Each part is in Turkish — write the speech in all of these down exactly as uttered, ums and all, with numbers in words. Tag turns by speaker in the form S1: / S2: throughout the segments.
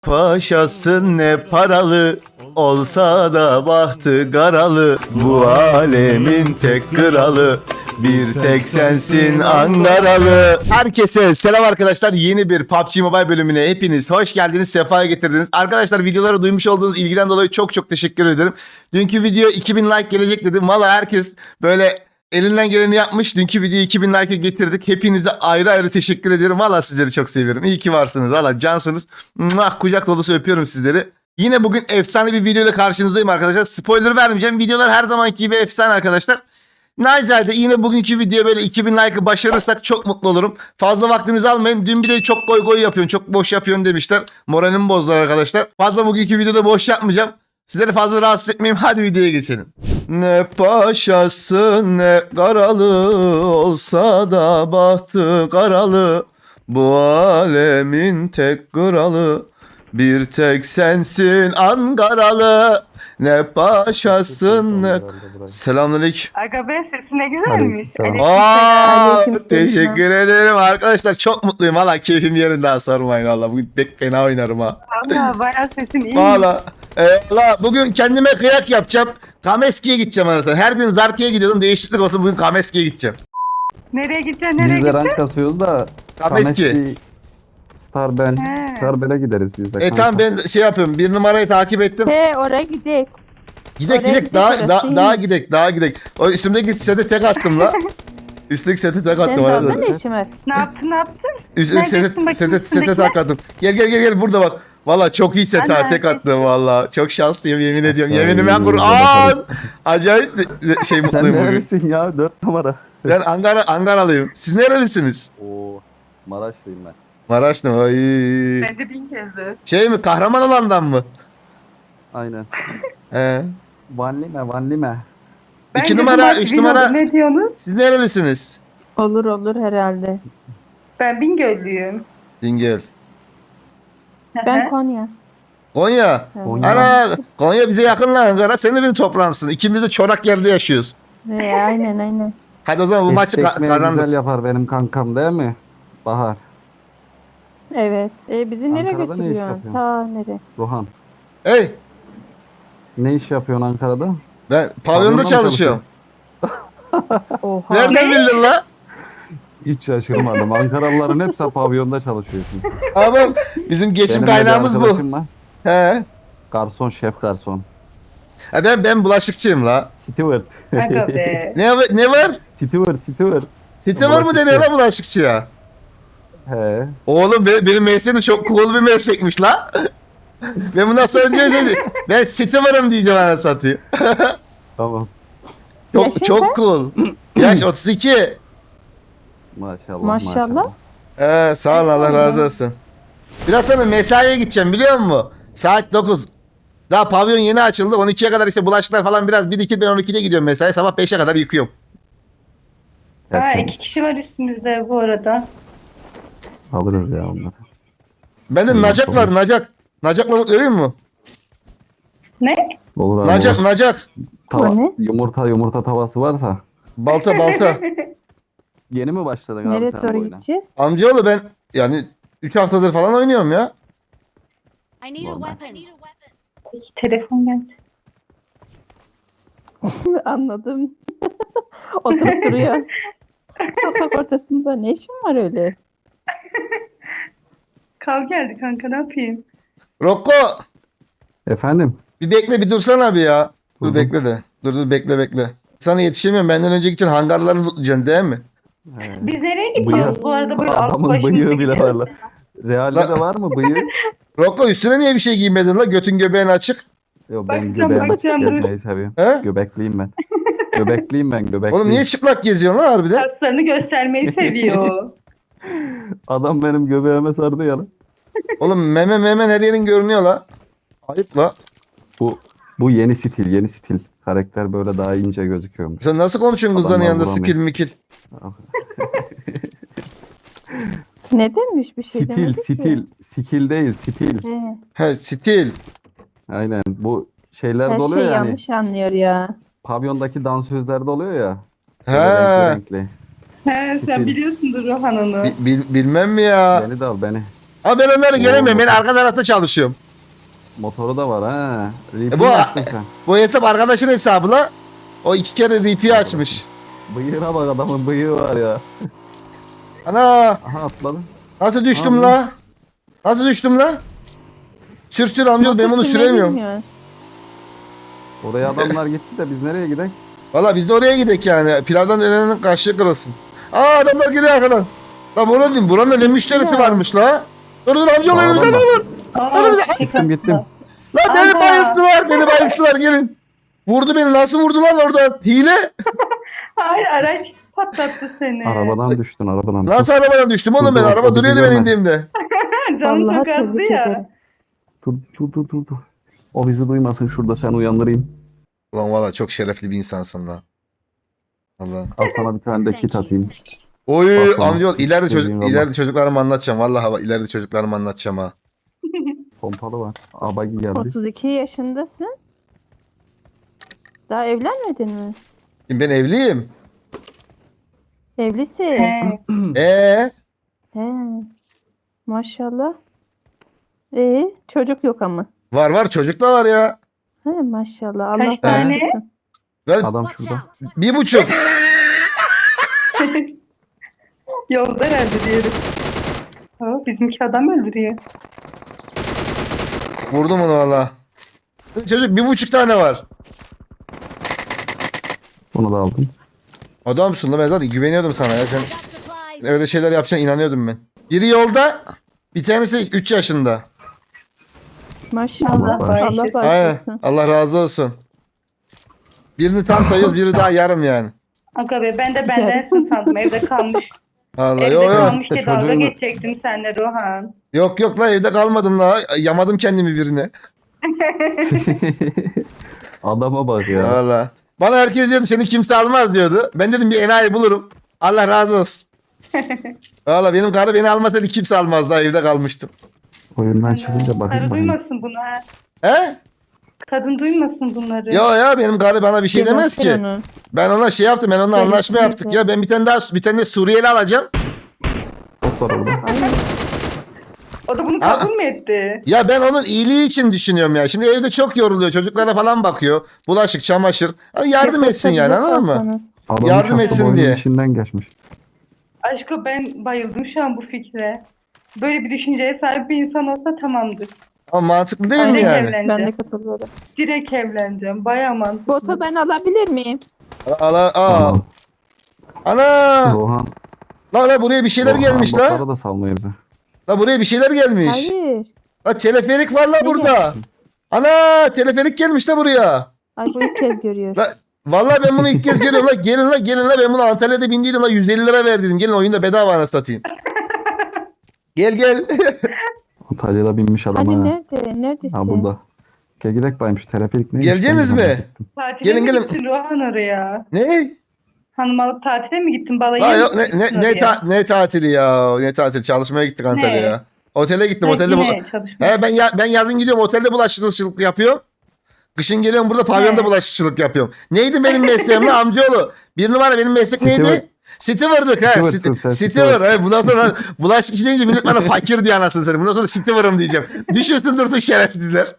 S1: Paşası ne paralı, olsa da bahtı garalı. Bu alemin tek kralı, bir tek sensin Ankaralı. Herkese selam arkadaşlar. Yeni bir P U B G Mobile bölümüne hepiniz hoş geldiniz, sefaya getirdiniz. Arkadaşlar, videolara duymuş olduğunuz ilgiden dolayı çok çok teşekkür ederim. Dünkü video iki bin like gelecek dedim. Valla herkes böyle elinden geleni yapmış. Dünkü videoyu iki bin like'a getirdik. Hepinize ayrı ayrı teşekkür ediyorum. Valla sizleri çok seviyorum. İyi ki varsınız. Valla cansınız. Mwah, kucak dolusu öpüyorum sizleri. Yine bugün efsane bir video ile karşınızdayım arkadaşlar. Spoiler vermeyeceğim. Videolar her zamanki gibi efsane arkadaşlar. Naizade yine bugünkü video böyle iki bin like'ı başarırsak çok mutlu olurum. Fazla vaktinizi almayayım. Dün bir de çok goy goy yapıyorsun, çok boş yapıyorsun demişler. Moralimi bozdular arkadaşlar. Fazla bugünkü videoda boş yapmayacağım. Sizleri fazla rahatsız etmeyeyim. Hadi videoya geçelim. Ne paşası ne karalı, olsa da bahtı karalı. Bu alemin tek kralı, bir tek sensin Ankaralı. Ne paşasın ne... Selamünaleyküm.
S2: Aga be, sesi ne güzelmiş.
S1: Aa,
S2: Aleykümselam.
S1: teşekkür ederim arkadaşlar. Çok mutluyum. Valla keyfim yerinde, ha, sormayın valla. Bugün pek fena oynarım ha.
S2: Valla bayağı sesin iyi.
S1: Valla. E, valla bugün kendime kıyak yapacağım. Kameski'ye gideceğim anasını. Her gün Zarki'ye gidiyordum. Değişiklik olsun, bugün Kameski'ye gideceğim.
S2: Nereye gideceksin, nereye
S3: Biz de rank
S2: gideceksin?
S3: kasıyoruz da
S1: Kameski.
S3: Kameski, Starbel,
S2: He.
S3: Starbel'e gideriz biz de.
S1: E
S3: kanka.
S1: tamam, ben şey yapıyorum. Bir numarayı takip ettim.
S4: He oraya gidek.
S1: Gidek
S4: oraya
S1: gidek
S4: gidek,
S1: daha
S4: orası
S1: daha
S4: iyi.
S1: daha gidek daha gidek. O üstümdeki sete tek attım la. Üstteki sete tek
S4: Senin
S1: attım
S4: orada
S1: arada.
S4: ne işin var?
S2: Ne yaptın, ne yaptın?
S1: Üstüne
S2: Neredesin
S1: sete
S2: bakayım
S1: sete sete
S2: üstündekiler?
S1: tak attım. Gel gel gel gel burada bak. Valla çok iyi set ha,
S2: Ana,
S1: tek attım valla. Çok şanslıyım, yemin ediyorum.
S3: Ay,
S1: Yeminime
S3: güzel
S1: Kur'an.
S3: bakalım.
S1: Acayip se- şey
S3: Sen
S1: mutluyum bugün.
S3: neredesin ya? Dört numara.
S1: Ben Ankara Ankaralıyım. Siz nerelisiniz?
S3: Oo, Maraşlıyım ben.
S1: Maraşlı mı? Ay.
S2: Ben de bin kezdi.
S1: Şey mi, kahraman olandan mı?
S3: Aynen.
S1: He.
S3: Vanlime, Vanlime.
S2: Ben
S1: İki
S2: de
S1: numara,
S2: Dubai
S1: üç
S2: bin
S1: numara.
S2: oldum, ne diyorsunuz?
S1: Siz nerelisiniz?
S4: Olur olur herhalde.
S2: Ben Bingöllüyüm.
S1: Dingel.
S4: Ben Konya.
S1: Konya.
S3: Konya.
S1: Ana, Konya bize yakın lan Ankara. Sen de benim toprağımsın. İkimiz de çorak yerde yaşıyoruz.
S4: He aynen aynen.
S1: Hadi o zaman bu maçı
S3: Et
S1: ka-
S3: ekmeği
S1: kazandık.
S3: güzel yapar benim kankam değil mi? Bahar,
S4: Evet. E, bizi nereye
S3: Ankara'da ne iş
S4: götürüyorsun?
S3: yapıyorsun?
S4: Ta nereye?
S3: Ruhan.
S1: Hey,
S3: Ne iş yapıyorsun Ankara'da?
S1: ben pavyonda
S3: Pavyonda mı
S1: çalışıyorum.
S4: Oha.
S1: Nereden bildin la?
S3: Hiç şaşırmadım. Ankaralıların hepsi pavyonda çalışıyorsun.
S1: Abi bizim geçim
S3: Benim de bir
S1: kaynağımız bu.
S3: arkadaşım var.
S1: He.
S3: Garson, şef garson.
S1: Ha, ben ben bulaşıkçıyım la.
S3: Steward.
S2: Aga be.
S1: Ne ne var?
S3: Steward, Steward.
S1: Site var mı deniyor la bulaşıkçıya?
S3: He.
S1: Oğlum benim, benim mesleğim çok cool bir meslekmiş la. Ben bundan sonra diyeceğim, ben site varım diyeceğim, ana satayım.
S3: Tamam.
S1: Çok
S4: Yaşın
S1: çok
S4: kaç?
S1: cool. Yaş otuz iki.
S3: Maşallah.
S4: Maşallah.
S1: He, sağ ol, Allah razı olsun. Biraz sonra mesaiye gideceğim, biliyor musun? Saat dokuz. Daha pavyon yeni açıldı. on ikiye kadar işte bulaşıklar falan biraz birikir, ben on ikide gidiyorum mesai. Sabah beşe kadar yıkıyorum.
S2: Ha,
S3: Tertemiz.
S2: iki kişi var üstümüzde bu arada.
S3: Alırız ya onları.
S1: Bende
S3: İyi,
S1: nacak var,
S3: tamam.
S1: nacak. Nacakla öveyim mu?
S2: Ne?
S3: Olur abi.
S1: Nacak,
S3: olur.
S1: nacak.
S3: Tava-
S4: O ne?
S3: Yumurta yumurta tavası varsa.
S1: Balta, balta.
S3: Yeni mi başladın abi
S4: Nereye
S3: sen bu
S4: doğru
S3: oyuna?
S4: gideceğiz?
S1: Amcaoğlu, ben yani üç haftadır falan oynuyorum ya.
S5: I need a
S3: Normal.
S5: weapon.
S2: Telefon geldi.
S4: Anladım. Oturup duruyor. Sokak ortasında ne işin var öyle?
S2: Kav geldi kanka, ne yapayım?
S1: Rocco,
S3: Efendim?
S1: bir bekle, bir dursana abi ya. Dur
S3: Hı hı.
S1: bekle de. Dur dur bekle bekle. Sana yetişemiyorum. Benden önceki için hangarları tutlayacaksın değil mi?
S3: He.
S2: Biz nereye
S3: Bıyığı,
S2: gidiyoruz bu arada, böyle alıp
S3: adamın
S2: başımızı
S3: bıyığı bile var
S2: gidiyoruz.
S3: la. Realde
S1: La-
S3: de var mı bıyığı?
S1: Rocco, üstüne niye bir şey giymedin la? Götün göbeğin açık.
S3: Yok
S2: Bakacağım,
S3: ben göbeğimi açık
S2: bakacağım, dur.
S3: gezmeyi seviyorum.
S1: He?
S3: Göbekliyim ben. Göbekliyim ben göbekliyim.
S1: Oğlum niye çıplak geziyorsun lan harbiden?
S2: Kaslarını göstermeyi seviyor.
S3: Adam benim göbeğime sardı ya lan.
S1: Oğlum meme meme her yerin görünüyor la. Ayıp la.
S3: Bu bu yeni stil yeni stil. Karakter böyle daha ince gözüküyormuş.
S1: Sen nasıl konuşuyorsun kızların
S3: Adamlar
S1: yanında
S3: vuramıyor.
S1: skill mikil?
S4: Ne demiş bir şey
S3: Stil
S4: demedi ki.
S3: stil. Skill değil stil.
S4: He,
S1: He, stil.
S3: Aynen bu şeyler
S4: her
S3: de oluyor
S4: şey
S3: yani.
S4: yanlış anlıyor ya.
S3: Pavyondaki dansözlerde oluyor ya.
S1: He.
S3: Böyle renkli renkli.
S2: He, sen biliyorsundur Rohan onu.
S1: Bi- bil- bilmem mi ya?
S3: Beni de al beni.
S1: Ama ben onları
S3: Oo,
S1: göremiyorum. Ben
S3: motor.
S1: arka tarafta çalışıyorum.
S3: Motoru da var ha.
S1: E
S3: Repeat
S1: bu-
S3: açtın sen.
S1: Bu hesap arkadaşın hesabı la. O iki kere R P açmış.
S3: Bıyığına bak, adamın bıyığı var ya.
S1: Ana
S3: Aha atladı.
S1: nasıl düştüm
S3: Abi.
S1: la? Nasıl düştüm la? Sür sür amcaoğlu ben bunu
S4: Motor sürmeyi
S1: süremiyorum.
S4: bilmiyor.
S3: Oraya adamlar gitti de biz nereye gidelim?
S1: Valla biz de oraya gidelim yani. Pilavdan dönenin kaşığı kırılsın. Aa adamlar geliyor arkadan. La burada diyeyim. Buranın da ne müşterisi
S2: Ya.
S1: varmış la. Dur dur amcaoğlu
S3: Aa,
S1: önümüzde
S3: adam
S1: adam
S3: var.
S1: var.
S2: Aa,
S1: Önümüzde.
S3: Gittim gittim.
S1: La beni
S2: Aga.
S1: bayılttılar. Beni bayılttılar gelin. Vurdu beni. Nasıl vurdu lan oradan? Hile.
S2: Hayır araç patlattı seni.
S3: Arabadan düştün arabadan.
S1: Nasıl arabadan düştüm oğlum ben?
S3: Dur, dur,
S1: Araba
S3: o bizi
S1: duruyordu ben
S3: görmedi.
S1: indiğimde.
S2: Canım
S4: Vallahi
S2: çok azdı
S4: tebrik
S2: ya.
S4: ederim.
S3: Dur dur dur dur. dur. O bizi duymasın, şurada sen uyandırayım.
S1: Ulan valla çok şerefli bir insansın la. Allah.
S3: Al sana bir tane de
S5: Thank
S3: kit
S5: you.
S3: atayım.
S1: Oy
S3: Bakalım.
S1: amcaoğlu ileride çocuk
S3: Dediğin Allah.
S1: ileride çocuklarıma anlatacağım. Vallahi bak, ileride çocuklarıma anlatacağım ha.
S3: Pompalı var. Abagi geldi.
S4: otuz iki yaşındasın. Daha evlenmedin mi?
S1: Şimdi ben evliyim.
S4: Evlisin.
S2: He.
S1: Ee,
S4: He. Maşallah. Ee, çocuk yok ama.
S1: var var çocuk da var ya.
S4: He maşallah. Allah
S2: Kaç tane?
S4: bağışlasın.
S1: Ben
S3: Adam
S5: Watch
S3: şurada.
S5: out.
S1: bir buçuk.
S2: Yolda herhalde diyelim. Aa, bizimki adam öldürüyor.
S1: Vurdum onu valla. Çocuk bir buçuk tane var.
S3: Bunu da aldım.
S1: Adamsın la ben zaten güveniyordum sana ya. Sen
S5: Got supplies.
S1: öyle şeyler yapacağına inanıyordum ben. Biri yolda. Bir tanesi üç yaşında.
S4: Maşallah.
S2: Allah
S4: Allah
S2: bağışlasın.
S1: Aynen.
S4: bağışlasın.
S1: Allah razı olsun. Birini tam sayıyoruz, biri daha yarım yani.
S2: Aga be ben de bendensin sandım evde kalmış.
S1: Allah
S2: Evde
S1: yok yok.
S2: kalmış diye
S3: Çocuğun-
S2: dalga geçecektim seninle Rohan.
S1: Yok yok la evde kalmadım la. Yamadım kendimi birine.
S3: Adama bak ya.
S1: Valla. Bana herkes diyordu seni kimse almaz diyordu. Ben dedim bir enayi bulurum. Allah razı olsun. Valla benim karı beni almasaydı kimse almazdı. Daha evde kalmıştım.
S3: Oyundan çıkınca
S2: Karı
S3: bakayım bakayım.
S2: duymasın bunu ha.
S1: He?
S2: Kadın duymasın bunları.
S1: Ya ya benim karı bana bir şey demez ki.
S4: Gebertin onu.
S1: Ben ona şey yaptım. Ben onunla
S4: Gebertin
S1: anlaşma
S4: onu.
S1: yaptık ya. Ben bir tane daha bir tane de Suriyeli alacağım.
S3: Çok var orada.
S4: Aynen.
S2: O da bunu
S1: Aa.
S2: kabul mü etti?
S1: Ya ben onun iyiliği için düşünüyorum ya. Şimdi evde çok yoruluyor. Çocuklara falan bakıyor. Bulaşık, çamaşır. Hani yardım etsin yani anladın mı?
S4: Sorsanız.
S3: Adam
S1: Yardım
S3: şapka
S1: etsin
S3: boynunun
S1: diye.
S3: içinden geçmiş.
S2: Aşkım ben bayıldım şu an bu fikre. Böyle bir düşünceye sahip bir insan olsa tamamdır.
S1: Ama mantıklı değil mi
S2: Direkt
S1: yani?
S4: Ben de
S2: evleneceğim.
S4: katılıyorum.
S2: Direkt evleneceğim. Bayağı mantıklı.
S4: Botu ben alabilir miyim?
S1: Ala, aa.
S3: Tamam.
S1: Ana!
S3: Rohan.
S1: La la buraya bir şeyler
S3: Rohan
S1: gelmiş la.
S3: botları da salmıyor bize.
S1: La buraya bir şeyler gelmiş.
S4: Hayır.
S1: La teleferik var la
S4: Ne
S1: burada. Ana teleferik gelmiş la buraya.
S4: Ay bu ilk kez görüyor.
S1: La vallahi ben bunu ilk kez görüyorum la. Gelin la gelin la ben bunu Antalya'da bindiydim la yüz elli lira verdiydim. Gelin oyunda bedava anasını satayım. Gel gel.
S3: Antalya'da binmiş adam
S4: Hani
S3: ha.
S4: nerede? Neredesin?
S3: Ha burada. Gel gidelim bayım şu teleferik neymiş?
S1: Geleceksiniz
S3: Ben de
S1: mi?
S3: merak ettim.
S2: Tatile
S1: Gelin,
S2: mi
S1: gelin.
S2: gittin Rohan oraya?
S1: Ne?
S2: Hanım alıp tatile mi gittin? Balayı
S1: La
S2: mı
S1: yok ne,
S2: gittin
S1: ne, ne,
S2: oraya?
S1: ta- ne tatili ya. Ne tatil çalışmaya gittik Antalya'ya. Otele gittim.
S2: Ha,
S1: Otelde bu...
S2: yine çalışma.
S1: He ben ya, ben yazın gidiyorum otelde bulaşıcılık yapıyorum. Kışın geliyorum burada pavyonda
S2: He.
S1: bulaşıcılık yapıyorum. Neydi benim mesleğim lan amcaoğlu? Bir numara benim meslek neydi?
S3: Steward.
S1: Steward'lık he.
S3: Steward'sın sen,
S1: Steward.
S3: steward.
S1: He, bundan sonra bulaşıkçı deyince millet bana fakir diye anasını satayım. Bundan sonra Steward'ım diyeceğim. Düşüyorsun durduk şerefsizler.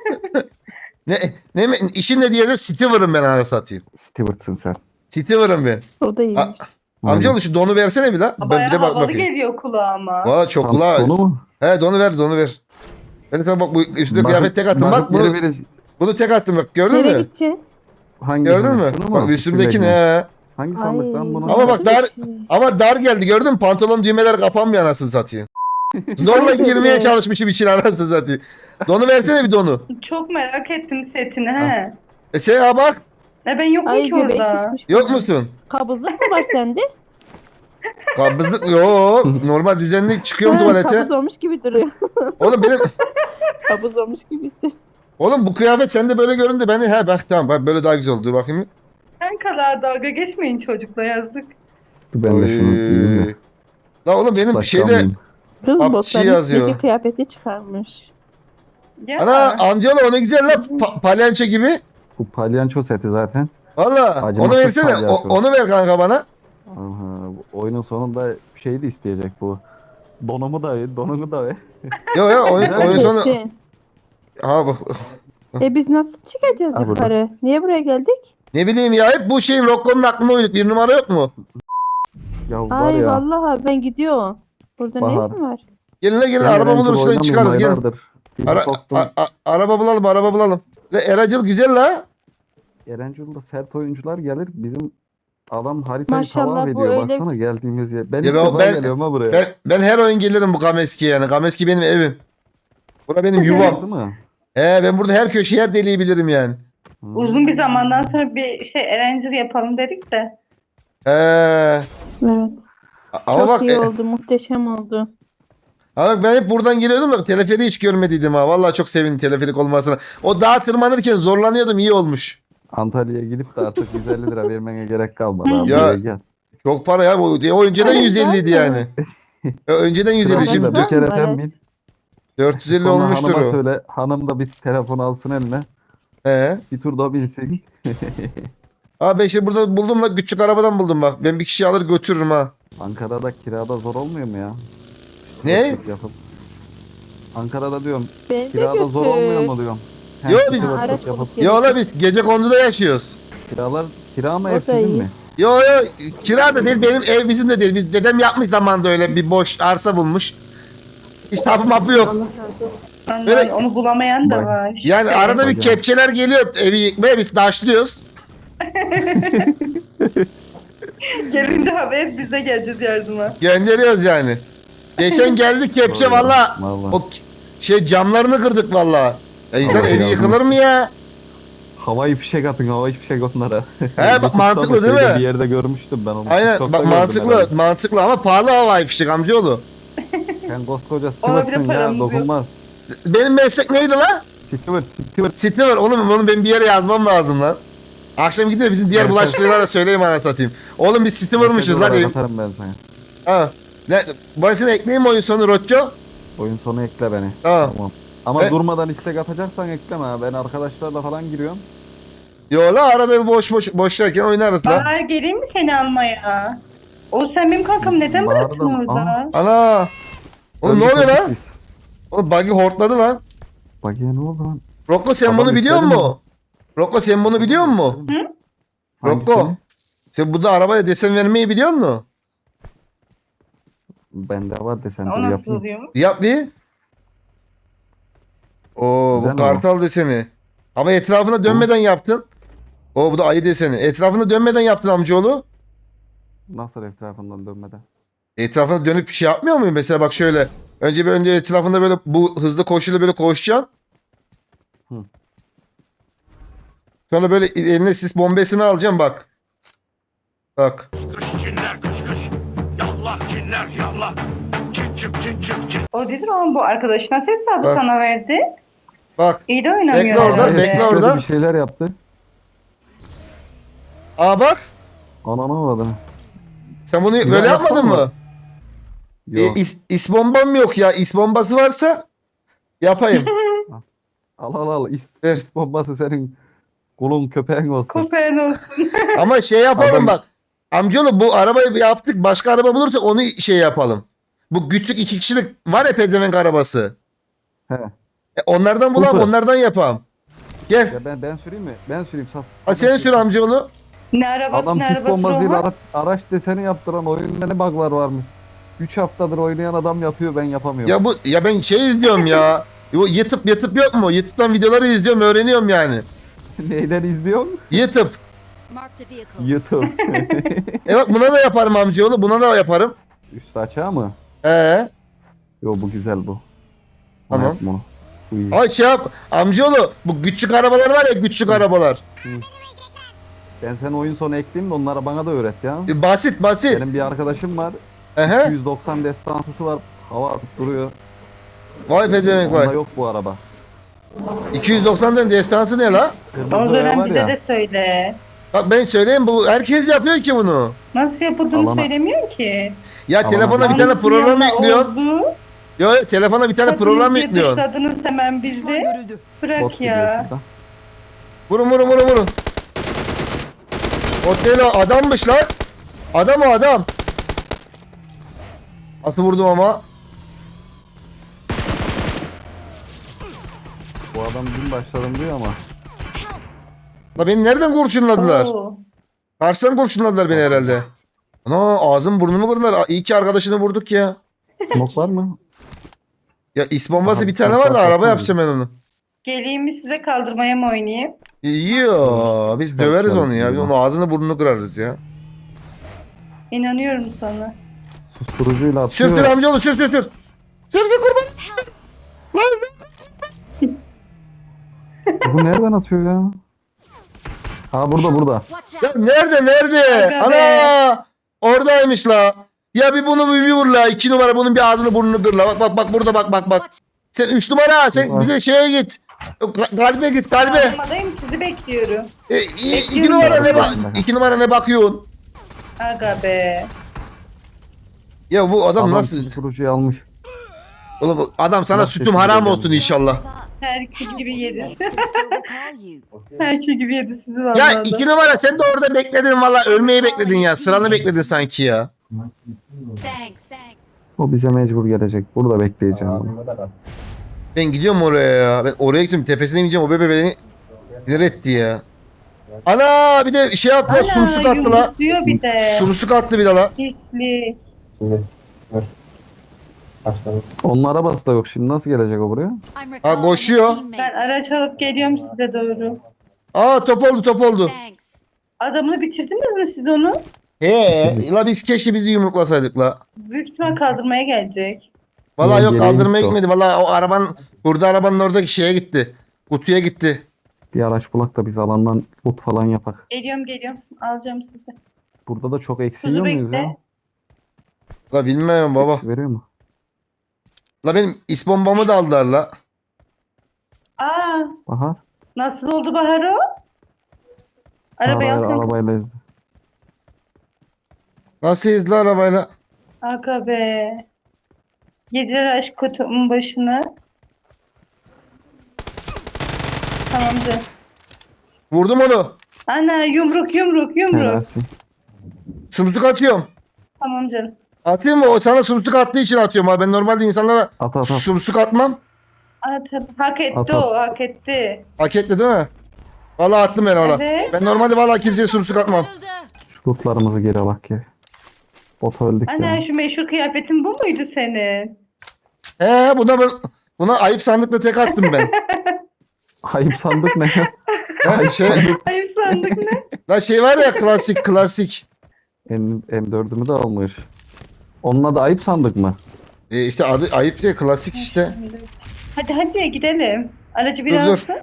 S1: ne, ne, işin ne diye de Steward'ım ben anasını satayım.
S3: Steward'sın sen.
S1: Steward'ım ben.
S4: O da iyiymiş.
S1: A- Amcaoğlu şu donu versene bir la. Ben
S2: Bayağı
S1: bir de bak
S2: havalı
S1: bakayım.
S2: geliyor kulağıma.
S1: Valla çok kulağı.
S3: Sonu mu?
S1: He donu ver donu ver. Ben sana bak bu üstüne
S3: Bak-
S1: kıyafet tek attım bak.
S3: bakıp geri
S1: Bunu,
S3: vereceğim.
S1: bunu tek attım bak gördün
S4: Nereye
S1: mü?
S4: gideceğiz?
S3: Hangi
S1: Gördün
S3: sandık?
S1: mü?
S3: Bunu mu?
S1: Bak üstümdeki
S3: İçindeki mi?
S1: ne?
S3: Hangi
S4: Ay.
S3: sandıktan bunu?
S1: Ama bak dar
S4: Şey.
S1: ama dar geldi gördün mü? Pantolon düğmeler kapanmıyor anasını satayım. Zorla
S4: Ay,
S1: girmeye
S4: evet.
S1: çalışmışım için anasını satayım. Donu versene bir donu.
S2: Çok merak ettim setini he.
S1: E sen ha bak
S2: Ne ben yokum
S4: Ay
S2: ki
S4: göbeği
S2: orada.
S4: şişmiş.
S1: yok musun?
S4: Kabızlık mı var sende?
S1: Kabızlık yok. Normal düzenli çıkıyorum
S4: Ha,
S1: tuvalete.
S4: Kabız olmuş gibi duruyor.
S1: Oğlum benim
S4: Kabız olmuş gibisi.
S1: oğlum bu kıyafet sende böyle göründü beni. He bak tamam bak böyle daha güzel oldu. Dur bakayım.
S2: Sen kadar dalga geçmeyin çocukla yazdık.
S3: Dur ben de şunu giyeyim de.
S1: La oğlum benim
S3: Başka
S1: şeyde
S3: almayayım.
S4: Kız
S1: Bak,
S4: botların
S1: şey yazıyor.
S4: üstündeki kıyafeti çıkarmış.
S2: Ya.
S1: ana amcaoğlu o ne güzel la pa- palyanço gibi.
S3: Bu palyanço seti zaten.
S1: Valla onu
S3: Acımasız
S1: versene. O-
S3: palyaço.
S1: onu ver kanka bana.
S3: Aha, bu oyunun sonunda şey de isteyecek bu. Donumu da ver, donunu da ver.
S1: Yo yo oyun, oyun sonu.
S4: Kesin.
S1: Ha bak.
S4: E biz nasıl çıkacağız
S3: Ha, burada.
S4: yukarı? Niye buraya geldik?
S1: Ne bileyim ya hep bu şeyin Rocco'nun aklına uyduk. Bir numara yok mu?
S3: Ya var
S4: Ay
S3: ya.
S4: vallahi ben gidiyorum. Burada ne
S3: Bahar.
S4: işin var?
S1: Gelin la gelin
S3: ben
S1: araba
S3: Erencil
S1: buluruz şuradan
S3: oynamıyorum
S1: çıkarız gelin.
S3: aylardır. Bizi
S1: Ara,
S3: soktun.
S1: a- a- araba bulalım araba bulalım. La, Eracıl güzel la.
S3: Erencil'de sert oyuncular gelir. Bizim adam haritayı
S4: Maşallah,
S3: tamam
S4: bu
S3: ediyor.
S4: öyle-
S3: Baksana geldiğimiz yer. Ben
S1: Ya
S3: ilk
S1: ben-
S3: defa
S1: ben-
S3: geliyorum ha buraya.
S1: Ben, ben her oyun gelirim bu Kameski'ye yani. Kameski benim evim. Bura benim yuvam.
S3: Değil mi?
S1: He ben burada her köşeyi her deliği bilirim yani.
S3: Hmm.
S2: Uzun bir zamandan sonra bir şey Erencil yapalım dedik de.
S1: He.
S4: Evet.
S1: Ama
S4: Çok
S1: bak,
S4: iyi
S1: e,
S4: oldu. Muhteşem oldu.
S1: ama bak ben hep buradan geliyordum bak teleferi hiç görmediydim ha. Vallahi çok sevindim teleferik olmasına. O dağa tırmanırken zorlanıyordum iyi olmuş.
S3: Antalya'ya gidip de artık yüz elli lira vermene gerek kalmadı abi.
S1: Ya-
S3: Buraya gel.
S1: Çok para ya. O, o önceden
S4: Ay,
S1: yüz elliydi
S4: güzel
S1: yani. E, önceden yüz elli
S3: Trabzon'da
S1: şimdi
S3: bir kere
S4: Evet.
S3: sen bin.
S1: dört yüz elli
S3: Sonra
S1: olmuştur
S3: hanıma
S1: o.
S3: söyle. Hanım da bir telefon alsın eline.
S1: He.
S3: Bir tur da binsin.
S1: Abi ben işte burada buldum la küçük arabadan buldum bak. Ben bir kişi alır götürürüm ha.
S3: Ankara'da kirada zor olmuyor mu ya?
S1: Ne?
S3: Yapıp yapıp. Ankara'da diyorum
S4: Beni de
S3: kirada zor
S4: götür.
S3: olmuyor mu diyorum.
S1: Yo,
S3: Hem
S1: biz-
S3: sıfır
S4: Araç
S3: yapıp-
S4: bulup
S1: Yo la biz gece konduda yaşıyoruz.
S3: Kiralar kira mı
S4: O da
S3: ev sizin
S4: iyi.
S3: mi?
S1: Yo yo kira da değil benim ev bizim de değil. Biz dedem yapmış zamanında öyle bir boş arsa bulmuş. Hiç tapu mapı yok.
S2: Allah,
S1: Böyle-
S2: onu bulamayan da
S3: Bak.
S2: var.
S1: Yani
S2: Evet.
S1: arada bir
S3: Hocam.
S1: kepçeler geliyor evi yıkmaya biz taşlıyoruz.
S2: Gelince haber bize geleceğiz yardıma.
S1: Gönderiyoruz yani. Geçen geldik kepçe
S3: Doğru.
S1: valla.
S3: Vallahi.
S1: O k- şey camlarını kırdık valla. Ya insan
S3: Allah
S1: evi
S3: yardım
S1: yıkılır mı ya?
S3: Havai fişek atın, havai fişek onlara.
S1: bak
S3: YouTube'da
S1: mantıklı
S3: da
S1: değil
S3: şeyde
S1: mi?
S3: Bir yerde görmüştüm ben onu.
S1: Aynen
S3: TikTok'ta
S1: bak
S3: gördüm
S1: mantıklı
S3: herhalde.
S1: mantıklı ama pahalı havai fişek amcaoğlu.
S3: Sen koskoca
S2: Ona bile
S3: Stewart'sın ya,
S2: paramız yok.
S3: dokunmaz.
S1: Benim meslek neydi la?
S3: Stewart, Stewart.
S1: Site var oğlum onu ben bir yere yazmam lazım lan. Akşam gidiyor bizim diğer
S3: Evet,
S1: bulaşıkçılara söyleyeyim anasını satayım. Oğlum biz site varmışız lan.
S3: Mesaj
S1: evim.
S3: olarak atarım ben sana.
S1: Ha. Ne, ben seni ekleyeyim mi oyun sonu Rocco?
S3: Oyun sonu ekle beni.
S1: Tamam.
S3: Tamam. Ama
S1: Ben-
S3: durmadan istek atacaksan ekleme ha. Ben arkadaşlarla falan giriyorum.
S1: Yo la arada bir boş boş boşlarken oynarız la.
S2: Bahar geleyim mi seni almaya? O sen benim kankam neden
S3: Bahar'da
S2: bıraktın
S3: mı?
S2: orada?
S1: Ana. Oğlum ne
S3: Öldük,
S1: oluyor
S3: öldük
S1: lan?
S3: biz.
S1: Oğlum buggy hortladı lan.
S3: Bak ya ne oldu lan?
S1: Rocco sen
S3: Adam
S1: bunu biliyor
S3: yükseldi
S1: musun? Rocco sen bunu biliyor musun? Rocco.
S3: Hangisini?
S1: Sen burada arabaya desen vermeyi biliyor musun?
S3: Bende var desen
S2: O
S3: dur
S2: nasıl
S3: yapayım.
S2: oluyor?
S1: Yap bir. Oo
S3: Güzel
S1: bu
S3: mi
S1: kartal deseni. Ama etrafına dönmeden yaptın. Oo bu da ayı deseni. Etrafına dönmeden yaptın amcaoğlu.
S3: Nasıl etrafından dönmeden?
S1: Etrafına dönüp bir şey yapmıyor muyum? Mesela bak şöyle. Önce bir önce etrafında böyle bu hızlı koşuyla böyle koşacaksın.
S3: Hı.
S1: Sonra böyle eline sis bombesini alacaksın bak. Bak.
S6: Kış cinler kış kış. Yallah cinler yallah. Çık çık çık çık çık.
S2: O dedi ama bu arkadaşına ses aldı
S1: Bak.
S2: sana verdi.
S1: Bak.
S2: İyi de oynamıyor.
S1: Bekle orada,
S2: herhalde.
S1: bekle
S3: Şöyle
S1: orada.
S3: Bir şeyler yaptı.
S1: Aa bak.
S3: Ananı avradını.
S1: Sen bunu
S3: Bir
S1: böyle
S3: daha
S1: yapmadın
S3: yapsana.
S1: mı?
S3: Yok.
S1: E, is, is bombam yok ya. İs bombası varsa yapayım.
S3: Al al al. İs,
S1: Ver.
S3: is bombası senin kulun köpeğin olsun.
S2: Kopen olsun.
S1: Ama şey yapalım
S3: Adam-
S1: bak. Amcaoğlu bu arabayı yaptık. Başka araba bulursak onu şey yapalım. Bu küçük iki kişilik var ya pezevenk arabası.
S3: He.
S1: E, onlardan bulalım
S3: Hızlı.
S1: onlardan yapalım. Gel.
S3: Ya ben ben süreyim mi? Ben süreyim saf.
S1: Hadi sen sür amcaoğlu.
S2: Ne arabası
S3: Adam
S2: ne
S3: sis
S2: arabası
S3: bombasıyla
S2: o?
S3: ara- araç deseni yaptıran oyunda ne bug'lar varmış. üç haftadır oynayan adam yapıyor, ben yapamıyorum.
S1: Ya bu ya ben şey izliyorum ya. Bu YouTube YouTube yok mu? YouTube'dan videoları izliyorum öğreniyorum yani.
S3: Neyden izliyorsun?
S1: YouTube.
S5: Marked a vehicle.
S3: YouTube.
S1: E bak buna da yaparım amcaoğlu. Buna da yaparım.
S3: Üst açığa mı?
S1: Ee.
S3: Yo bu güzel bu.
S1: Tamam.
S3: Yapma onu. Bu iyi.
S1: Ay şey yap. Amcaoğlu bu küçük arabalar var ya küçük arabalar.
S3: Ben sen oyun sonu ekleyeyim de onlara bana da öğret ya.
S1: E, basit basit.
S3: Benim bir arkadaşım var.
S1: Ehe.
S3: iki yüz doksan destansısı var. Hava atıp duruyor.
S1: Vay pezevenk
S3: Onda
S1: vay.
S3: yok bu araba.
S1: iki yüz doksandan destansı ne la?
S3: Kırmızı
S2: Onu
S3: boya
S2: dönem
S3: var
S2: bize
S3: ya.
S2: de söyle.
S1: Bak ben söyleyeyim bu herkes yapıyor ki bunu.
S2: Nasıl yapıldığını
S3: Alana.
S2: söylemiyor ki.
S1: Ya
S3: Aman
S1: telefona
S3: Allah'ım.
S1: bir tane program
S2: Yanına
S1: yüklüyorsun.
S2: oldu.
S1: Yo yo, telefona bir tane program
S2: Hadi
S1: yüklüyorsun.
S2: dışladınız hemen bizi. Bırak
S3: Bot gidiyor
S2: ya.
S3: şurada.
S1: Vurun vurun vurun vurun. O değil o adammış lan. Adam o adam. Nasıl vurdum ama?
S3: Bu adam dün başladım diyor ama.
S1: La beni nereden kurşunladılar?
S2: Oo.
S1: Karşıdan kurşunladılar beni herhalde. Ana ağzım burnumu kırdılar. Aa, İyi ki arkadaşını vurduk ya.
S3: Smoke var mı?
S1: Ya is bombası
S3: Aha,
S1: bir tane
S3: bir
S1: var da
S3: tane
S1: araba
S3: patladı.
S1: yapacağım ben onu.
S2: Geleyim mi size kaldırmaya mı oynayayım?
S1: Yo biz döveriz onu ya. Biz onun ağzını burnunu kırarız ya.
S2: İnanıyorum sana.
S3: Susturucuyla
S1: Sür
S3: atıyor.
S1: sür amcaoğlu sür sür sür. Sür sür kurban. Lan.
S3: Bu nereden atıyor ya? Ha burada burada.
S5: Watch
S1: Ya
S5: out.
S1: nerede nerede?
S2: Aga be.
S1: Ana. Oradaymış la. Ya bir bunu bir vur la. İki numara bunun bir ağzını burnunu kır la. Bak bak bak burada bak bak bak. Sen üç numara sen
S3: Var.
S1: bize şeye git. Ka- Kalbe git kalbe.
S2: Kaldırmadayım, sizi bekliyorum.
S1: E, i- iki
S2: Bekliyorum
S1: numara
S2: ya.
S1: ne bak iki numara ne bakıyorsun?
S2: Aga be.
S1: Ya bu adam,
S3: Adam
S1: nasıl?
S3: susturucuyu almış.
S1: Oğlum bu adam sana
S3: Nasıl
S1: sütüm
S3: sesini
S1: haram
S3: duyacağım?
S1: olsun inşallah.
S2: Herkes gibi yedi.
S5: Next can still recall you.
S2: Herkes gibi yedi sizi vallahi.
S1: Ya iki numara sen de orada bekledin valla ölmeyi bekledin ya. Sıranı bekledin sanki ya.
S5: Thanks.
S3: O bize mecbur gelecek. Burada bekleyeceğim bunu.
S1: Ben gidiyorum oraya ya. Ben oraya gideceğim. Tepesine ineceğim. O bebe beni sinir etti ya. Ana bir de şey yaptılar.
S2: Ana,
S1: Sumsuk attı la.
S2: yumrukluyor bir de.
S1: Sumsuk attı bir de la.
S2: Pislik.
S3: Onun arabası da yok. Şimdi nasıl gelecek o buraya?
S5: I'm recalling
S1: koşuyor.
S5: a
S2: Ben
S5: teammate.
S2: araç alıp geliyorum size doğru.
S1: Aa top oldu top oldu.
S5: Thanks.
S2: Adamını bitirdiniz mi siz onu?
S1: He la biz keşke biz de yumruklasaydık la.
S2: Büyük ihtimal kaldırmaya gelecek.
S1: Valla
S3: Ulan
S1: yok
S3: geriye
S1: kaldırmaya
S3: gitti o.
S1: gitmedi. Valla o arabanın burada arabanın oradaki şeye gitti. Kutuya gitti.
S3: Bir araç bulak da biz alandan loot falan yapak.
S2: Geliyorum geliyorum. Alacağım sizi.
S3: Burada da çok
S2: Kuzu
S3: eksiyor muyuz
S2: bekle.
S3: ya?
S1: La bilmiyorum baba.
S3: Veriyor mu?
S1: La benim is bombamı da aldılar la.
S2: Aa,
S3: Bahar.
S2: nasıl oldu Bahar o? Arabayı
S3: Arabayla,
S2: alsın.
S3: arabayla ezdi.
S1: Nasıl izle arabayla?
S2: Aga be. Yediler aşk kutumun başına. Tamamdır.
S1: Vurdum onu.
S2: Ana yumruk yumruk yumruk.
S3: Helalsin.
S1: Sumsuk atıyorum.
S2: Tamam canım.
S1: Atayım mı? O sana sumsuk attığı için atıyorum abi. Ben normalde insanlara
S3: At at at.
S1: sumsuk atmam.
S2: At, at. Hak etti
S3: At, at.
S2: o hak etti.
S1: Hak etti değil mi? Valla attım ben valla.
S2: Evet.
S1: Ben normalde valla kimseye sumsuk atmam.
S5: Öldü.
S3: Şu lootlarımızı geri alak ya. Bota öldük
S2: Ana
S3: ya.
S2: şu meşhur kıyafetin bu muydu senin?
S1: He buna ben buna ayıp sandıkla tek attım ben.
S3: Ayıp sandık ne ya?
S1: Ha, şey,
S2: Ayıp sandık ne?
S1: la şey var ya klasik klasik.
S3: M, M dördümü de almış. Onun adı ayıp sandık mı?
S1: E işte adı ayıp diye klasik işte.
S2: Hadi hadi gidelim. Aracı
S1: Dur,
S2: biraz
S1: dur.
S2: alsın.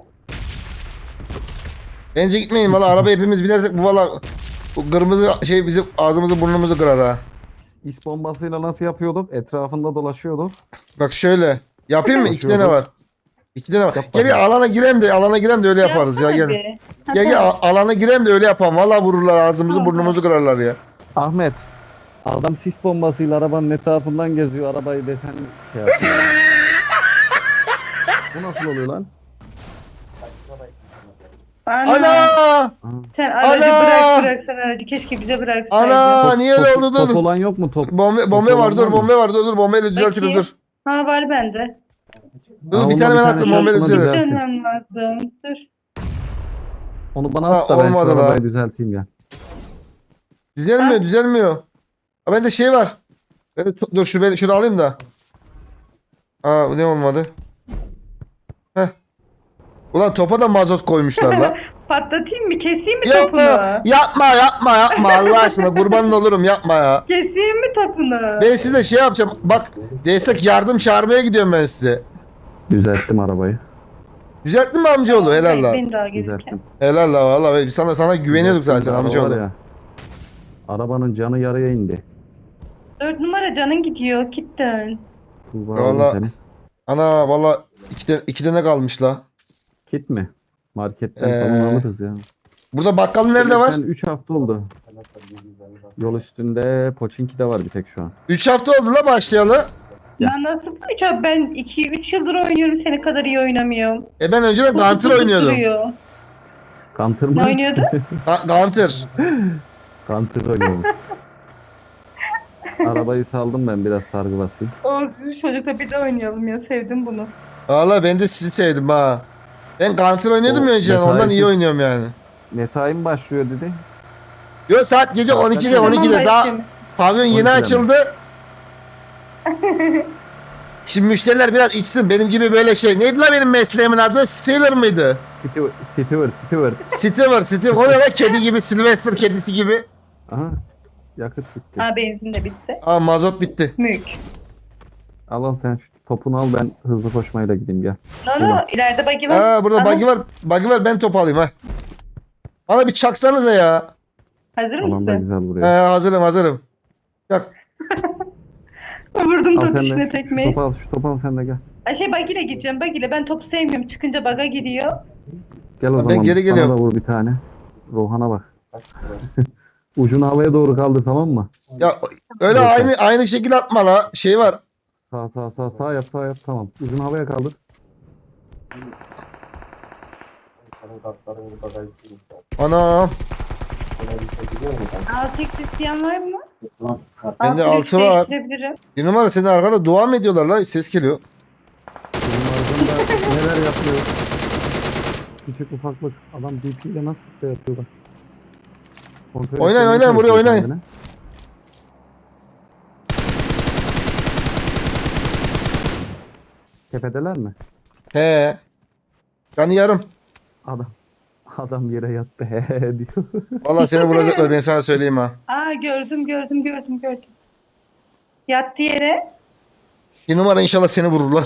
S1: Bence gitmeyin valla araba hepimiz binersek bu valla bu kırmızı şey bizim ağzımızı burnumuzu kırar ha.
S3: İs bombasıyla nasıl yapıyorduk? Etrafında dolaşıyorduk.
S1: Bak şöyle. Yapayım mı? İki tane var. İki tane var.
S3: Yap
S1: Gel gel
S3: bakalım.
S1: alana girem de alana girem de öyle yaparız ya
S2: Yapsana
S1: gel.
S2: bir. Ha,
S1: Gel gel
S2: tamam.
S1: a- alana girem de öyle yapalım. Valla vururlar ağzımızı
S2: Tamam,
S1: burnumuzu kırarlar ya.
S3: Ahmet. Adam sis bombasıyla arabanın etrafından geziyor. Arabayı desen şey yapıyor. Bu nasıl oluyor lan?
S2: Ana.
S1: Ana!
S2: Sen aracı
S1: Ana!
S2: bırak bırak sen aracı. Keşke bize bıraksaydın.
S1: Ana! niye öyle
S3: top,
S1: oldu
S3: top
S1: dur?
S3: olan yok mu top?
S1: Bombe, bombe
S3: Top
S1: var
S3: olan
S1: dur
S3: mı?
S1: bombe var dur dur bombeyle düzeltirim
S2: Bakayım.
S1: dur.
S2: Ha var bende.
S1: Dur
S3: Ha,
S1: bir
S3: ondan
S1: tane
S3: bir
S1: ben
S3: tane
S1: attım
S3: şey
S1: bombeyle
S3: yaptığına
S1: düzelir.
S3: güzel.
S2: Dönmem lazım. Dur.
S3: Onu bana
S1: Ha,
S3: at da ben şu
S1: olmadı la.
S3: arabayı düzelteyim ya.
S1: Düzelmiyor
S2: Ha?
S1: düzelmiyor. Ha bende şey var. Ben de, dur şu ben şunu alayım da. Aa bu ne olmadı? Heh. Ulan topa da mazot koymuşlar la.
S2: Patlatayım mı? Keseyim mi
S1: Yapma,
S2: topunu?
S1: yapma, yapma, yapma Allah aşkına kurban olurum yapma ya.
S2: Keseyim mi topunu?
S1: Ben size şey yapacağım. Bak destek yardım çağırmaya gidiyorum ben size.
S3: Düzelttim arabayı.
S1: Düzelttin mi amcaoğlu? Helal la.
S2: Beni daha gelirken.
S3: Düzelttim.
S1: Helal la valla. Biz sana sana güveniyorduk zaten
S3: Düzelttim. Araba
S1: amcaoğlu.
S3: var ya, Arabanın canı yarıya indi.
S2: Dört numara canın gidiyor. Git dön.
S3: Tuğba
S1: Valla-
S3: aldım seni.
S1: Ana valla iki, de, iki tane kalmış la.
S3: Kit mi? Marketten
S1: Ee,
S3: falan alırız ya.
S1: Burada bakkal nerede var?
S3: üç hafta oldu. Yol üstünde Poçinki de var bir tek şu an.
S1: üç hafta oldu la başlayalı.
S2: Ya nasıl üç abi ben iki üç yıldır oynuyorum seni kadar iyi oynamıyorum.
S1: E ben önceden
S2: Kutu
S1: Gunter
S2: kutu
S1: oynuyordum.
S2: duruyor.
S3: Counter mı?
S2: Ne oynuyordu?
S1: Ha, Gunter.
S3: Counter oynuyorum. Arabayı saldım ben biraz sargı basayım.
S2: O çocukla bir de oynayalım ya sevdim bunu.
S1: Valla ben de sizi sevdim ha. Ben Counter oynuyordum
S3: O
S1: ya önceden. Ondan
S3: mesaisi-
S1: iyi oynuyorum yani.
S3: Mesai mi başlıyor dedi.
S1: Yo saat gece
S3: Saat
S1: on ikide
S3: kaç?
S1: on ikide
S2: Tamam,
S1: daha
S2: başlayayım.
S1: pavyon yeni
S3: on ikide mi?
S1: açıldı. Şimdi müşteriler biraz içsin. Benim gibi böyle şey. Neydi lan benim mesleğimin adı? Stealer mıydı?
S3: Stewart, Stewart, Stewart.
S1: Stealer, Stealer. O ne lan? Kedi gibi, Sylvester kedisi gibi.
S3: Aha. Yakıt bitti.
S2: Ha benzin de bitti.
S1: Aa mazot bitti.
S2: Mülk.
S3: Al al sen şu topunu al, ben hızlı koşmayla gideyim gel.
S2: No no ileride bagi var.
S1: Aa burada
S2: Aha,
S1: buggy var. Buggy var ben top alayım ha. Bana bir çaksanıza ya.
S2: Hazır
S3: Alan da
S2: mısın?
S3: güzel
S1: He
S3: buraya.
S1: hazırım hazırım. Yok.
S2: Vurdum
S3: Al
S2: top
S3: sen
S2: içine
S3: de. Şu
S2: tekmeyi.
S3: topu al, şu topu al sen de gel.
S2: Ay şey bagiyle gideceğim bagiyle. Ben topu sevmiyorum. Çıkınca baga gidiyor.
S3: Gel o
S1: Ben
S3: zaman.
S1: geri
S3: Bana
S1: geliyorum.
S3: da vur bir tane. Rohan'a bak. Ucunu havaya doğru kaldır, tamam mı?
S1: Ya öyle
S3: Yok,
S1: aynı aynı şekilde atma la. Şey var.
S3: Sağ sağ sağ sağ yap sağ yap, tamam. Ucunu havaya kaldır.
S1: Anam.
S2: Altı x isteyen var mı?
S1: Bende
S2: Altı
S1: altı
S2: x
S1: var.
S2: değiştirebilirim.
S1: Bir numara senin arkada dua mı ediyorlar la? Ses geliyor.
S3: Bizim ardında neler yapıyor? Küçük ufaklık. Adam D P ile nasıl sıkta yapıyor bak. Kontrol
S1: Oynayın,
S3: etmeye
S1: oynayın, buraya
S3: çalışıyor
S1: oynayın.
S3: kendini. Tepedeler mi?
S1: He. Canı yarım.
S3: Adam adam yere yattı he diyor.
S1: Vallahi seni vuracaklar ben sana söyleyeyim ha.
S2: Aa gördüm gördüm gördüm gördüm. Yattı yere.
S1: Bir numara inşallah seni vururlar.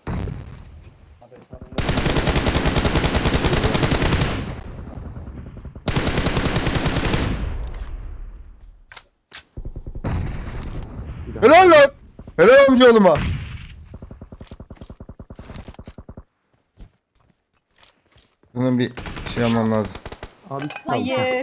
S1: Helal lan. Helal amcaoğluma. Bunun bir şey almam lazım.
S3: Abi
S2: Hayır.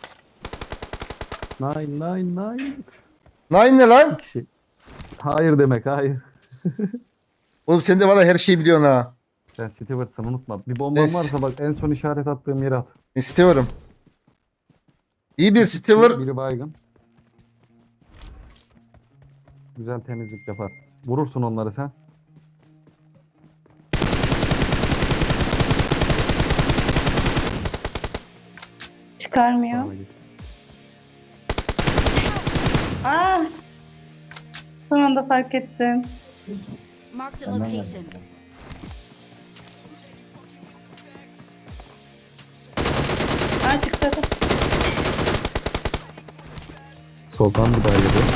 S3: Nine nine nine.
S1: Nine ne lan?
S3: Şey. Hayır demek hayır.
S1: Oğlum sen de valla her şeyi biliyorsun ha.
S3: Sen Stewart'sın, unutma. Bir bomban
S1: Es-
S3: varsa bak en son işaret attığım yere at.
S1: İstiyorum. İyi bir Stever.
S3: Biri baygın. Güzel temizlik yapar. Vurursun onları sen.
S2: Çıkarmıyor.
S3: Sonra git.
S2: Aa. Son anda fark ettim.
S5: Marked a location.
S2: Aa çıktı.
S3: Soldan bir daha geliyor.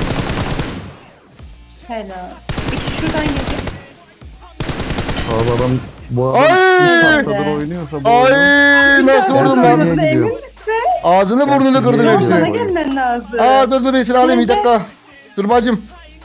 S2: Helal. İki şuradan geliyor.
S3: Abi adam bu adam
S1: Ay!
S3: üç haftadır oynuyorsa bu oyunu.
S1: Ay nasıl vurdum
S3: Ben-
S1: lan?
S3: Niye
S2: Emin
S3: gidiyor?
S2: misin?
S1: Ağzını burnunu kırdım
S3: Niye
S1: hepsini.
S2: Bana
S3: gidiyor?
S2: gelmen lazım.
S1: Aa dur dur ben seni alayım bir dakika. Dur bacım.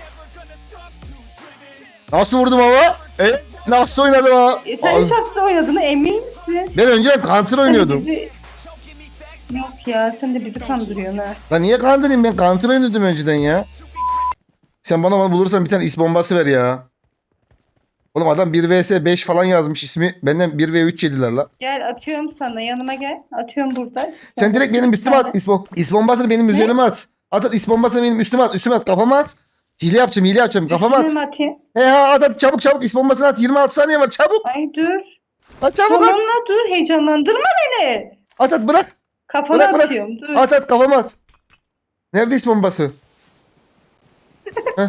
S1: Nasıl vurdum ama? E, nasıl oynadım ha?
S2: E, sen
S1: Ağz-
S2: üç hafta oynadığına emin misin?
S1: Ben önceden Counter oynuyordum.
S2: Bizi... Yok ya sen de bizi kandırıyorsun ha.
S1: Lan niye kandırayım ben Counter oynuyordum önceden ya. Sen bana, bana bulursan bir tane is bombası ver ya. Oğlum adam bir vs beş falan yazmış ismi. Benden bir ve üç yediler la.
S2: Gel atıyorum sana yanıma gel. Atıyorum burada.
S1: Sen direkt benim üstüme at is, bom- is bombasını benim üzerime at. At at is bombasını benim üstüme at. Üstüme at kafama at. Hile yapacağım hile yapacağım kafama at.
S2: Üstüne mi atayım?
S1: He ha at at çabuk çabuk is bombasını at. yirmi altı saniye var çabuk.
S2: Ay dur.
S1: At çabuk
S2: Tamam
S1: at.
S2: la dur heyecanlandırma beni.
S1: At at bırak.
S2: Kafana
S1: Bırak bırak.
S2: atıyorum dur.
S1: At at kafama at. Nerede is bombası? Heh.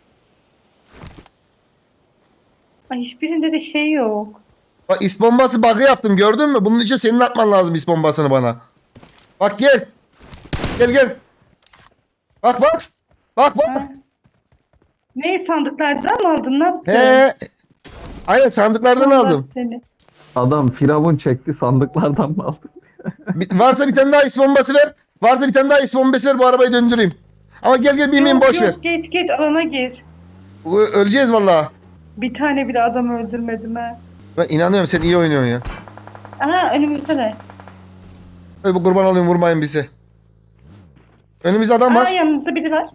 S2: Ay hiçbirinde de şey yok.
S1: Bak is bombası bug'ı yaptım gördün mü? Bunun için senin atman lazım is bombasını bana. Bak gel. Gel gel. Bak bak. Bak bak.
S2: Ha. Ne sandıklardan mı aldın ne yaptın?
S1: He. Aynen sandıklardan
S2: Allah
S1: aldım.
S2: seni.
S3: Adam firavun çekti, sandıklardan mı aldı?
S1: Bir- varsa bir tane daha is bombası ver. Varsa bir tane daha is bombası ver bu arabayı döndüreyim. Ama gel gel bin bin
S2: Yok,
S1: boş
S2: yok,
S1: ver.
S2: Geç geç alana gir.
S1: Ö- Öleceğiz vallahi.
S2: Bir tane bile adam öldürmedim ha.
S1: Ben inanıyorum sen iyi oynuyorsun ya.
S2: Aha önümüzde de.
S1: Öyle bu kurban olayım vurmayın bizi. Önümüzde adam
S2: Aa
S1: var.
S2: yanımızda biri var.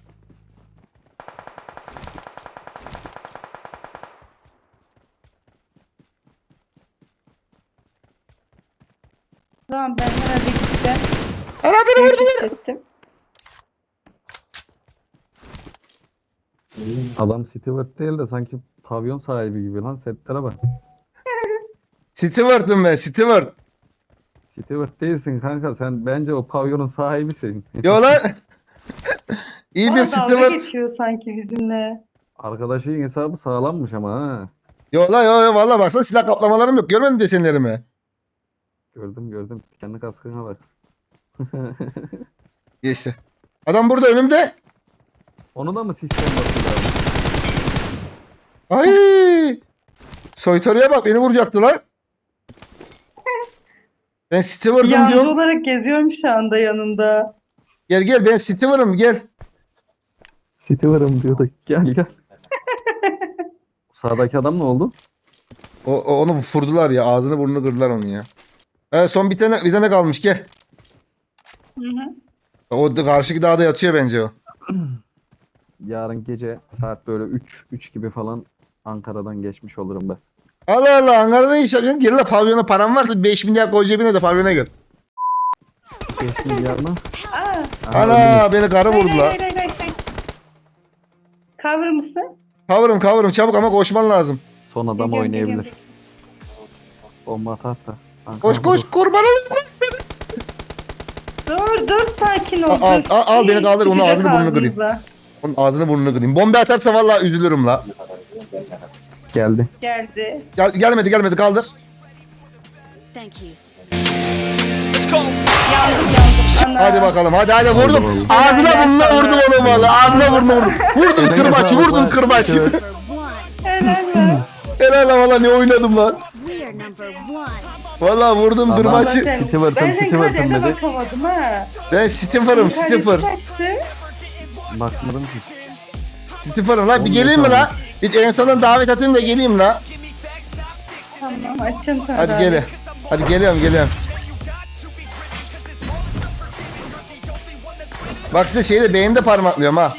S2: Tamam ben herhalde gideceğim.
S1: Ana beni vurdular.
S2: Gittim.
S3: Adam Stewart değil de sanki pavyon sahibi gibi lan, setlere bak.
S1: Steward'ım ben Steward.
S3: Stewart değilsin kanka, sen bence o pavyonun sahibisin.
S1: Yo lan. İyi bir
S2: Bana dalga
S1: Steward.
S2: geçiyor sanki bizimle.
S3: Arkadaşın hesabı sağlammış ama ha.
S1: Yo lan yo yo valla baksana silah kaplamalarım yok. Görmedin mi desenlerimi?
S3: Gördüm gördüm. Kendi kaskına bak.
S1: Geçti. Adam burada önümde.
S3: Onu da mı sistem bakıyor?
S1: Ay! Soytarıya bak beni vuracaktı lan. Ben Steward'ım
S2: Yancı
S1: diyorum.
S2: olarak geziyorum şu anda yanında.
S1: Gel gel ben Steward'ım gel.
S3: Stewar'ım diyordu. Gel gel. Sağdaki adam ne oldu?
S1: O, o- onu vurdular ya ağzını burnunu kırdılar onu ya. Evet son bir tane bir tane kalmış gel.
S2: Hı hı.
S1: O da karşıki dağda yatıyor bence o.
S3: Yarın gece saat böyle üç üç gibi falan Ankara'dan geçmiş olurum ben.
S1: Allah Allah Ankara'da iş yapıyorsun. Gel la pavyona param varsa beş milyar koy cebine de pavyona gel.
S3: beş milyar mı?
S2: Aa,
S1: Ana beni karı
S2: hayır,
S1: vurdu
S2: hayır,
S1: la.
S2: hayır, hayır, hayır. Cover mısın?
S1: Kavurum kavurum çabuk ama koşman lazım.
S3: Son adam
S2: Geliyorum,
S3: oynayabilir.
S2: geliyorum.
S3: Bomba atarsa. Ankara
S1: Koş koş
S3: vurur.
S1: kurbanım.
S2: Dur dur sakin ol.
S1: Al, al,
S2: dur.
S1: al, al, beni kaldır, onun
S2: Çıkacak
S1: ağzını burnunu kırayım.
S2: ağzımıza.
S1: Onun ağzını burnunu kırayım. Bomba atarsa vallahi üzülürüm la.
S3: Geldi.
S2: Geldi.
S1: Gel, gelmedi gelmedi kaldır.
S5: Thank you.
S2: Ana.
S1: Hadi bakalım hadi hadi vurdum.
S3: Oldu, oldu.
S1: Ağzına burnuna vurdum oğlum valla. Ağzına burnuna vurdum. Vurdum
S3: Eline
S1: kırbaçı
S3: sağlık
S1: vurdum
S3: lan.
S1: kırbaçı.
S5: Number one.
S2: Helal be.
S1: Helal lan valla ne oynadım lan.
S5: We are number one.
S1: Valla vurdum
S3: Aman.
S1: kırbaçı.
S2: Zaten-
S3: Stewart'ım,
S2: Ben senin
S3: Stewart'ım
S2: kaderine
S3: dedi.
S2: bakamadım ha.
S1: Ben Stiffer'ım Stiffer.
S2: İnterneti kaçtı.
S3: Bakmadım ki.
S1: Stiffer'ım lan bir
S3: On
S1: geleyim mi
S3: beş
S1: la? Bir en sonunda davet atayım da geleyim la.
S2: Tamam açacağım sana.
S1: Hadi
S2: daha.
S1: gel. Hadi geliyorum geliyorum. Bak size şeyde beğeni parmaklıyorum ha.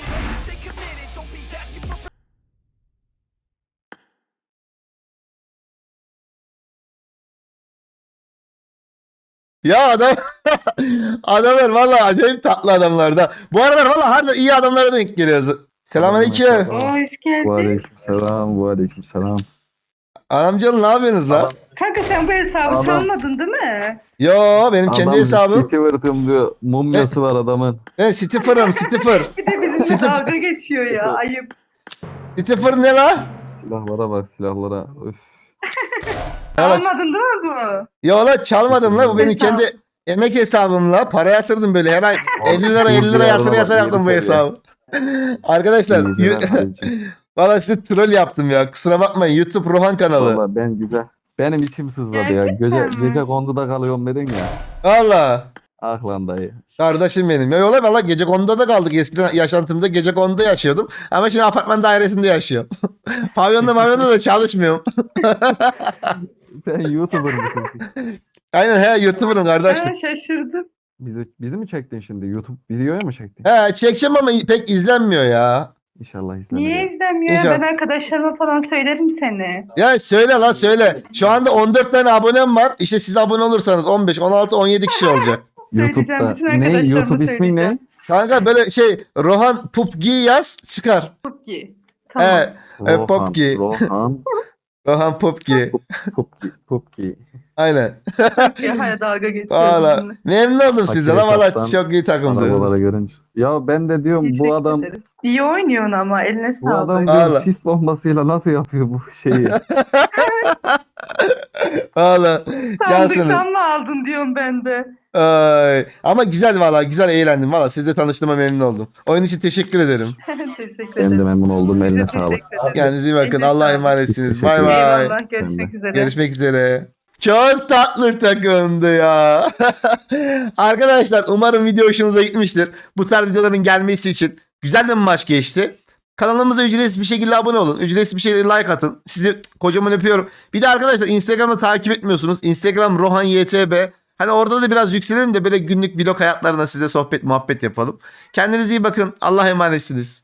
S1: Ya adam adamlar vallahi acayip tatlı adamlar da. Bu aralar vallahi harbiden iyi adamlara denk geliyoruz. Selamünaleyküm.
S2: Oo, hoş geldin.
S3: Bu aleyküm selam. Bu aleyküm selam.
S1: Anamcalı ne yapıyorsunuz la?
S2: Kanka sen bu hesabı
S3: Adam-
S2: çalmadın değil mi?
S1: Yo benim kendi hesabım.
S3: Stewart'ım diyor. Mumyası var adamın.
S1: Ben Stiffer'ım Stiffer.
S2: Bir de bizimle
S1: Sıfır.
S2: dalga geçiyor ya. Ayıp.
S1: Stiffer ne la?
S3: Silahlara bak silahlara. Üf.
S1: Ya la-
S2: Almadın değil mi bu?
S1: Yo la çalmadım la bu benim
S2: Hesap.
S1: kendi emek hesabımla para yatırdım böyle her ay elli lira elli lira yatır yatır yaptım bu hesabı. Arkadaşlar
S3: İyi
S1: yu-
S3: geceler abicim.
S1: valla size troll yaptım ya kusura bakmayın YouTube Rohan kanalı.
S3: Valla ben güzel. Benim içim sızladı ya. Gece,
S2: Gerçekten mi?
S3: gece konduda kalıyorum dedin ya.
S1: Valla
S3: Ah lan dayı.
S1: kardeşim benim. Ya yola valla gece konuda da kaldık eskiden yaşantımda gece konuda yaşıyordum ama şimdi apartman dairesinde yaşıyorum. Pavyonda mavyonda da çalışmıyorum.
S3: Sen YouTuber mısın?
S1: Aynen he YouTuber'ım kardeşim.
S2: Ben şaşırdım.
S3: Bizi, bizi mi çektin şimdi? YouTube videoya mı çektin?
S1: He çekeceğim ama pek izlenmiyor ya.
S3: İnşallah izlenir.
S2: Niye izlemiyor?
S1: İnşallah.
S2: Ben arkadaşlarıma falan söylerim seni.
S1: Ya söyle lan söyle. Şu anda on dört tane abonem var. İşte siz abone olursanız on beş, on altı, on yedi kişi olacak.
S3: YouTube'da.
S2: Söyleyeceğim, bütün
S3: Ne?
S2: arkadaşlarıma
S3: YouTube ismin ne?
S2: söyleyeceğim.
S1: Kanka böyle şey Rohan Pupgi yaz çıkar.
S2: Çok iyi. Tamam.
S1: He, e, Popki.
S3: Rohan.
S1: Rohan Pupgi.
S3: Popki. Popki.
S1: Aynen.
S2: Ya hayır dalga geçiyor.
S1: Valla
S2: bizimle.
S1: memnun oldum sizden la valla
S3: Hakikaten
S1: çok iyi
S3: Arabalara
S1: takımdınız.
S3: görünce. Ya ben de diyorum bu
S2: Teşekkür
S3: adam
S2: ederiz. İyi oynuyorsun ama eline
S3: bu adam
S2: sağlık.
S3: diyorum,
S1: Valla.
S3: sis bombasıyla nasıl yapıyor bu şeyi?
S1: Valla cansınız.
S2: Sandıktan mı aldın diyorum ben de.
S1: Ay. Ama güzel valla güzel eğlendim valla sizle tanıştığıma memnun oldum. Oyun için teşekkür ederim.
S2: Teşekkür
S3: Ben de
S2: ederim.
S3: memnun oldum. Eline
S2: Teşekkür
S3: sağlık.
S2: ederim.
S1: Kendinize iyi bakın
S2: Eline
S1: Allah'a
S2: sağlık.
S1: emanetsiniz.
S3: Teşekkür
S1: Bay
S3: ederim.
S1: bay.
S2: Eyvallah görüşmek üzere.
S1: Görüşmek üzere. Çok tatlı takımdı ya. Arkadaşlar umarım video hoşunuza gitmiştir. Bu tarz videoların gelmesi için güzel de bir maç geçti. Kanalımıza ücretsiz bir şekilde abone olun. Ücretsiz bir şekilde like atın. Sizi kocaman öpüyorum. Bir de arkadaşlar Instagram'da takip etmiyorsunuz. Instagram Rohan Y T B. Hani orada da biraz yükselelim de böyle günlük vlog hayatlarına size sohbet muhabbet yapalım. Kendinize iyi bakın. Allah'a emanetsiniz.